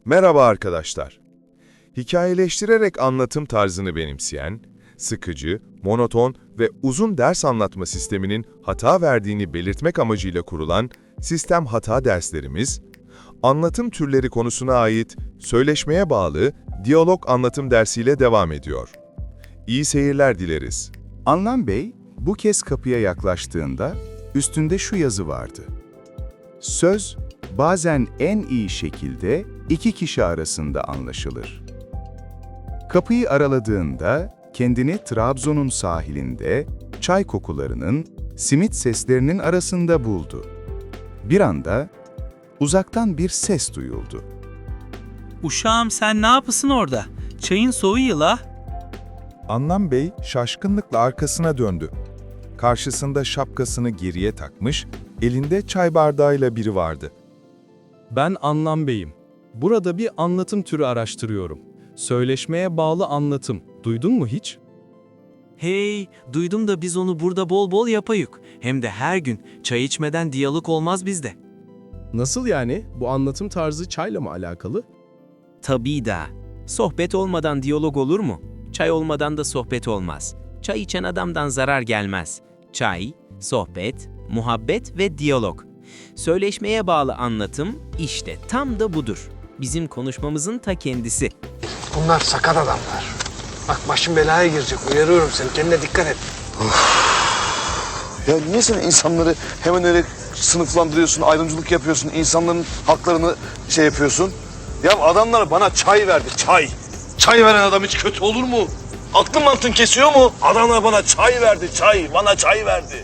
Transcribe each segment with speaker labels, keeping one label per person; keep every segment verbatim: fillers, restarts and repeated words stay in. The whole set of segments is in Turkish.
Speaker 1: Merhaba arkadaşlar. Hikayeleştirerek anlatım tarzını benimseyen, sıkıcı, monoton ve uzun ders anlatma sisteminin hata verdiğini belirtmek amacıyla kurulan sistem hata derslerimiz, anlatım türleri konusuna ait söyleşmeye bağlı diyalog anlatım dersiyle devam ediyor. İyi seyirler dileriz.
Speaker 2: Anlam Bey, bu kez kapıya yaklaştığında üstünde şu yazı vardı. Söz, bazen en iyi şekilde iki kişi arasında anlaşılır. Kapıyı araladığında kendini Trabzon'un sahilinde çay kokularının, simit seslerinin arasında buldu. Bir anda uzaktan bir ses duyuldu.
Speaker 3: Uşağım sen ne yapısın orada? Çayın soğuyor la.
Speaker 1: Anlam Bey şaşkınlıkla arkasına döndü. Karşısında şapkasını geriye takmış, elinde çay bardağıyla biri vardı.
Speaker 4: Ben Anlam Bey'im. Burada bir anlatım türü araştırıyorum. Söyleşmeye bağlı anlatım. Duydun mu hiç?
Speaker 5: Hey, duydum da biz onu burada bol bol yapayık. Hem de her gün çay içmeden diyalog olmaz bizde.
Speaker 4: Nasıl yani? Bu anlatım tarzı çayla mı alakalı?
Speaker 5: Tabii da. Sohbet olmadan diyalog olur mu? Çay olmadan da sohbet olmaz. Çay içen adamdan zarar gelmez. Çay, sohbet, muhabbet ve diyalog. Söyleşmeye bağlı anlatım işte tam da budur. Bizim konuşmamızın ta kendisi.
Speaker 6: Bunlar sakat adamlar. Bak başın belaya girecek. Uyarıyorum seni. Kendine dikkat et.
Speaker 7: Ya niye sen insanları hemen öyle sınıflandırıyorsun, ayrımcılık yapıyorsun, insanların haklarını şey yapıyorsun? Ya adamlar bana çay verdi, çay. Çay veren adam hiç kötü olur mu? Aklın mantın kesiyor mu? Adamlar bana çay verdi, çay. Bana çay verdi.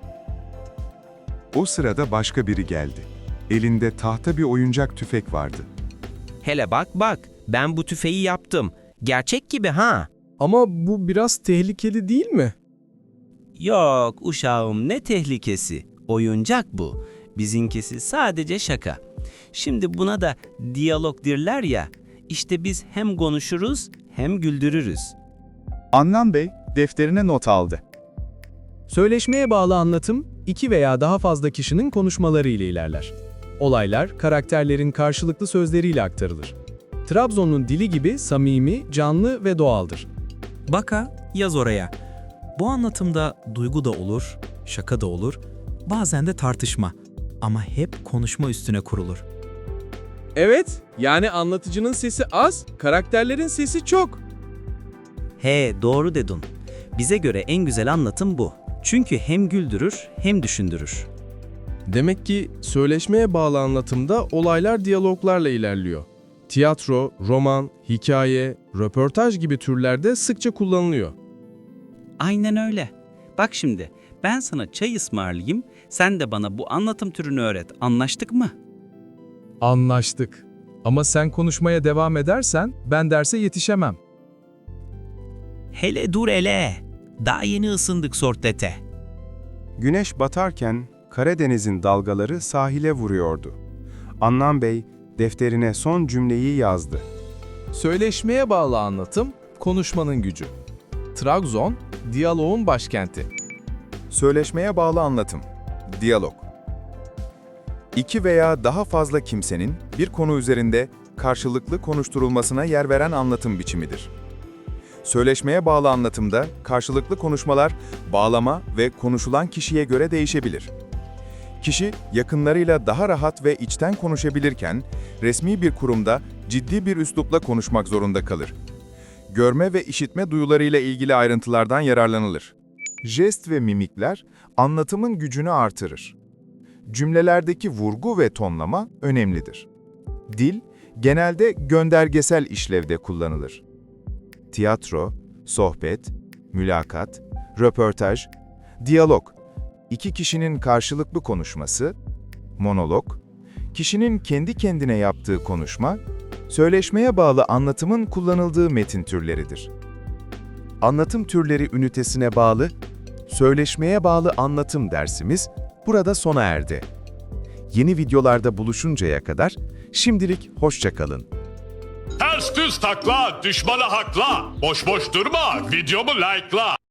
Speaker 2: O sırada başka biri geldi. Elinde tahta bir oyuncak tüfek vardı.
Speaker 5: Hele bak bak, ben bu tüfeği yaptım. Gerçek gibi ha?
Speaker 4: Ama bu biraz tehlikeli değil mi?
Speaker 5: Yok uşağım ne tehlikesi. Oyuncak bu. Bizinkisi sadece şaka. Şimdi buna da diyalog derler ya. İşte biz hem konuşuruz hem güldürürüz.
Speaker 2: Anlam Bey defterine not aldı.
Speaker 4: Söyleşmeye bağlı anlatım, iki veya daha fazla kişinin konuşmaları ile ilerler. Olaylar, karakterlerin karşılıklı sözleriyle aktarılır. Trabzon'un dili gibi samimi, canlı ve doğaldır.
Speaker 8: Baka yaz oraya. Bu anlatımda duygu da olur, şaka da olur, bazen de tartışma. Ama hep konuşma üstüne kurulur.
Speaker 4: Evet, yani anlatıcının sesi az, karakterlerin sesi çok.
Speaker 9: He, doğru dedin. Bize göre en güzel anlatım bu. Çünkü hem güldürür hem düşündürür.
Speaker 4: Demek ki söyleşmeye bağlı anlatımda olaylar diyaloglarla ilerliyor. Tiyatro, roman, hikaye, röportaj gibi türlerde sıkça kullanılıyor.
Speaker 3: Aynen öyle. Bak şimdi ben sana çay ısmarlayayım, sen de bana bu anlatım türünü öğret. Anlaştık mı?
Speaker 4: Anlaştık. Ama sen konuşmaya devam edersen ben derse yetişemem.
Speaker 3: Hele dur hele. Daha yeni ısındık sohbete.
Speaker 2: Güneş batarken Karadeniz'in dalgaları sahile vuruyordu. Anlam Bey defterine son cümleyi yazdı.
Speaker 4: Söyleşmeye bağlı anlatım, konuşmanın gücü. Trabzon, diyaloğun başkenti.
Speaker 1: Söyleşmeye bağlı anlatım, diyalog. İki veya daha fazla kimsenin bir konu üzerinde karşılıklı konuşturulmasına yer veren anlatım biçimidir. Söyleşmeye bağlı anlatımda karşılıklı konuşmalar bağlama ve konuşulan kişiye göre değişebilir. Kişi yakınlarıyla daha rahat ve içten konuşabilirken resmi bir kurumda ciddi bir üslupla konuşmak zorunda kalır. Görme ve işitme duyularıyla ilgili ayrıntılardan yararlanılır. Jest ve mimikler anlatımın gücünü artırır. Cümlelerdeki vurgu ve tonlama önemlidir. Dil genelde göndergesel işlevde kullanılır. Tiyatro, sohbet, mülakat, röportaj, diyalog, iki kişinin karşılıklı konuşması, monolog, kişinin kendi kendine yaptığı konuşma, söyleşmeye bağlı anlatımın kullanıldığı metin türleridir. Anlatım türleri ünitesine bağlı, söyleşmeye bağlı anlatım dersimiz burada sona erdi. Yeni videolarda buluşuncaya kadar şimdilik hoşça kalın.
Speaker 10: Ters düz takla, düşmanı hakla. Boş boş durma, videomu like'la.